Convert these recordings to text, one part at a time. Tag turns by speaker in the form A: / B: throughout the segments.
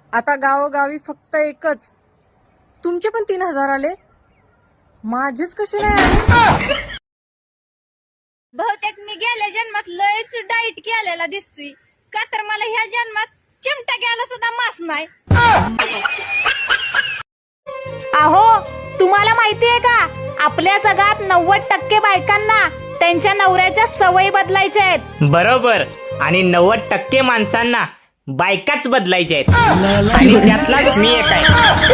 A: आता गावोगावी फक्त एकच. तुमचे पण 3,000 आले, माझेच कसे नाही आले?
B: बहुतेक मी गेल्या जन्मात लयच डाईट केलेला दिसतोय, का तर मला ह्या जन्मात चिमटा घ्यायला सुद्धा मास नाही.
C: अहो, तुम्हाला माहितीये का, आपल्या जगात 90% बायकांना त्यांच्या नवऱ्याच्या सवयी बदलायच्या आहेत.
D: बरोबर. आणि 90% माणसांना बायकाच बदलायच्या आहेत. आणि त्यातलाच मी एक आहे.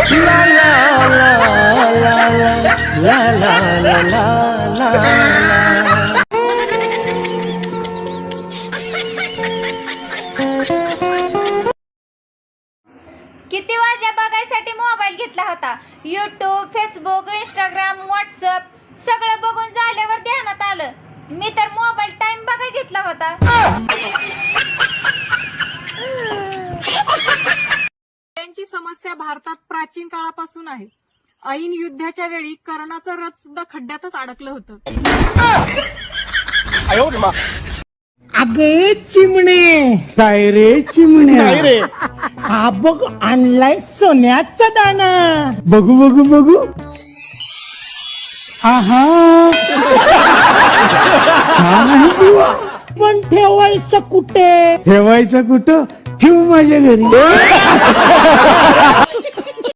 B: किती वाजल्या बघायसाठी मोबाईल घेतला होता. युट्यूब, फेसबुक, इंस्टाग्राम, व्हॉट्सअप सगळं बघून झाल्यावर ध्यानात आलं, मी तर मोबाईल टाइम बघा घेतला होता.
A: त्यांची समस्या भारतात प्राचीन काळापासून आहे. ऐन युद्धाच्या वेळी कर्णाचं रथ सुद्धा खड्ड्यातच अडकलं होतं.
E: अगे चिमणे, काय रे चिमणे, काय रे, हा बघ आणलाय सोन्याचा दाना, बघू बघू बघू. आहा, छान आहे बुवा. पण ठेवायचं कुठे? ठेवायचं कुठं? ठेवू माझ्या घरी.